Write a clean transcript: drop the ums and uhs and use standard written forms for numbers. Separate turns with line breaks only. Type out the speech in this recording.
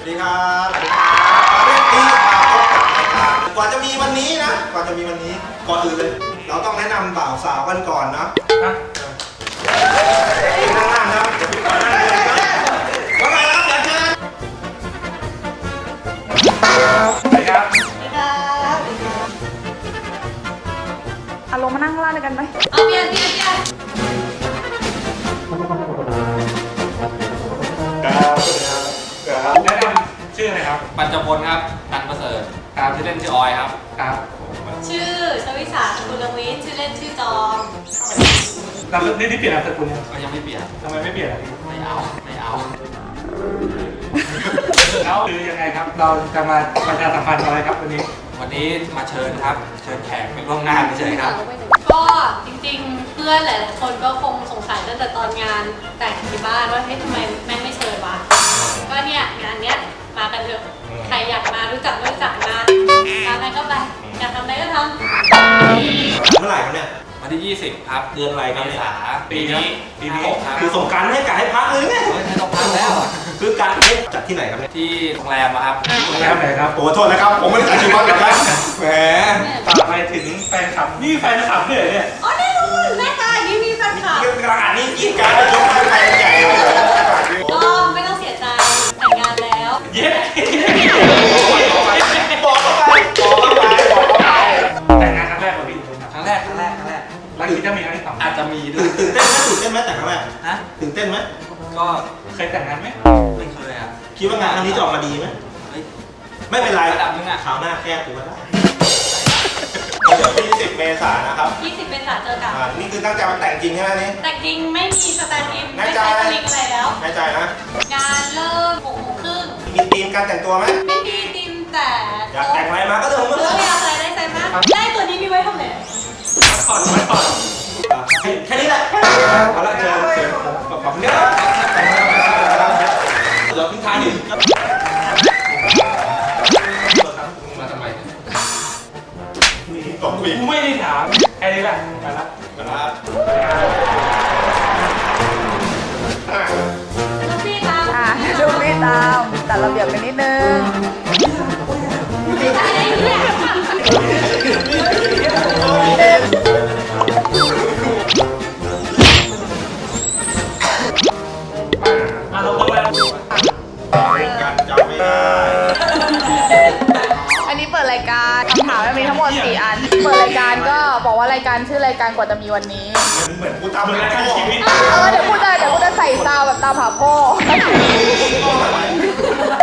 วัสดีครับสวัสดีครับเรื่องนี้มาพบกับรายการกว่าจะมีวันนี้นะก่อนอื่นเลยเราต้องแนะนำบ่าวสาวกันก่อนนะนั่งครับเดี๋ยวพี่ก่อนนั่งเลยครับว่าไงครับอยากเชิญ
สวัสดีครับ
ลงมานั่งข้างล่างด้วยกันไหม
เอาเปลี่ยน
ครับ
แนะนำชื่ออะไรครับปัญจพลครับตันประเสริฐครับชื่อเล่นชื่อออยครับครับ
ชื่อชวิสาสกุลวิทย์ชื่อเล่นชื่อจอม
แล้วนี่เปลี่ยนนามสกุลยังไม่เปลี่ยนทำไมไม่เปลี่ยนอ่ะไม่เอาแล้วคือยังไงครับเราจะมาประชาสัมพันธ์อะไรครับวันนี้มาเชิญครับเชิญแขกไปร่วมงานเฉยครับ
ก็จริงๆเพื่อนหลายๆคนก็คงสงสัยตั้งแต่ตอนงานแต่งที่บ้านว่าเฮ้ยทำไมแม่งไม่เชิญวะก็เนี่ยงานเนี้ยมากันเถอะใครอยากมารู้จักมาตามอะไรก็ไปอยากทำอะไรก็ท
ำเมื่อไหร่ครับเนี่ย
วันที่20ครับ
เดือนอะไรครับ
เมษาปีนี้
คือสงกรานต์ให้กะให้พักเลยไง
ไม่ต้องพักแล้ว
คือการจัดที่ไหนครับเนี่ย
ที่โรงแรมครับ
โรงแรมไหนครับโอ้โทษนะครับผมไม่ได้จัดชื่อวัดนะครับแหม
ฝากไปถึงแฟนคลับนี่แฟนคลับเนี่ย
อ๋อแน่นอนแม่ค่ะนี่มีแฟนคลับ
กำลังอ่านนี่กินการยกให้ใครใหญ่เลย
ก็ไม่ต้องเสียใจแต่งงานแล้ว
เย้
บอกเข้าไป
แต่งงานครั้งแรกของพี่ครั้งแรกแล้วคิดจะมีครั้งที่สองอาจจะมีด้วย
ตื่นเต้นไหมแต่ครั้งแรกตื่นเต้นไหม
ก็เคยแต่งงานไหมไม่เคยอ่ะ
คิดว่างานครั้งนี้จะออกมาดีไหมไม่เป็นไร
ระดับนึงอ่ะ
คราวหน้าแก้ตัวได้เดี๋ยว20 เมษายนนะครับ
20 เมษายนเจอกัน
นี่คือตั้งใจมาแต่งจริงใช่ไหมนี่
แต่งจริงไม่มีสแตนด์อินไม่ใช่สลิงอะไรแล้ว
แน่ใจนะ
งานเริ่ม6 โมงครึ่ง
มีธีมการแต่งตัวไหม
ไม่มีธีมแต่
อยากแต่งอะไรมาก็เดินมาเลย
อยากใส่ได้ใส่มาได้ตัวนี้มีไว้ทำอะไร
ไม่ปอด
แค่นี้แหละเอาละเชิญขอบคุณครับเดี๋ยวทิ้งท้ายนิด
มาทำไม
ตกคุย
ไม่ได้ถามแค่นี้แหละไปละ
ลูกพี่ตาม
ลูกพี่ตามจัดระเบียบกันนิดนึงอันนี้เปิดรายการคำถามมีทั้งหมด4 อันเปิดรายการก็บอกว่ารายการชื่อรายการกว่าจะมีวันนี้
เหมือนกูทำรายการชีวิต
เดี๋ยวกูจะใส่ซาวแบบตามหาพ่อ